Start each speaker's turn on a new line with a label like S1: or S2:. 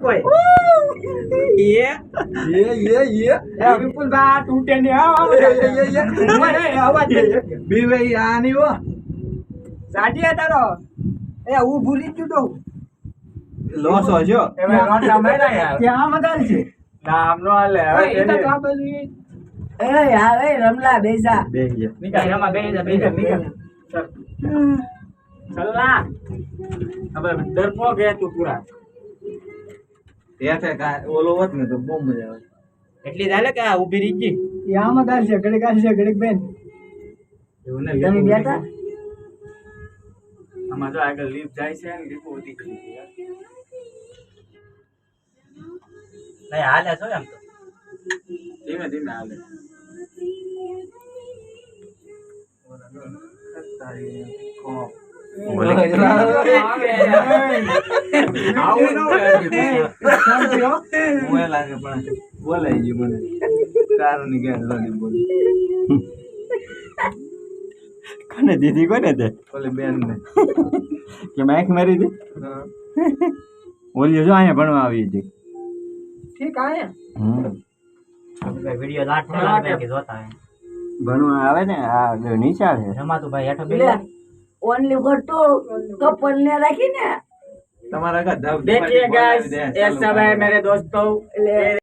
S1: कोई
S2: ये
S1: बिल्कुल बात टूटे नहीं आवाज
S2: बीवे आनी हो
S1: साडी तारो ए હું ભૂલી જ ગયો
S2: લોસ હોજો
S1: એ ભાઈ રોટા મેરા યાર ત્યાં મદાલ છે નામ નો હાલે હવે એ તો આ બાજુ એ યાર એ રમલા બેસા
S2: બેહી
S1: નીકળ રમા બેસા ચલના હવે ડરપો ગયા તું પૂરા
S2: તે કા ઓલો હોત ને તો બહુ મજા આવે
S1: એટલી ચાલે કે આ ઊભી રહી ગઈ ત્યાં મદાલ છે ઘડીક આ છે ઘડીક બેન એવું ને તમે બેઠા આમાં જો આગળ લીફ જાય છે ને લીફ ઉડી ગઈ નહીં હાલે છો એમ તો ધીમે ધીમે હાલે
S2: લાગે પણ બોલાઈ ગયું મને કારણ કે બોલી
S3: કોને દીધી કોને તે
S2: ઓલે બેન ને
S3: કે મેક મારી દી ઓલી જો અહીંયા ભણવા આવી હતી
S1: ઠીક આયા वीडियो लाट में के जोता है
S3: ભણવા આવે ને આ નીચા છે
S1: रमा तो भाई हेठो बेला
S4: ઓનલી ગોટો કપલ ને રાખીને
S2: તમારા કા
S1: देखिए गाइस ये सब है मेरे दोस्तों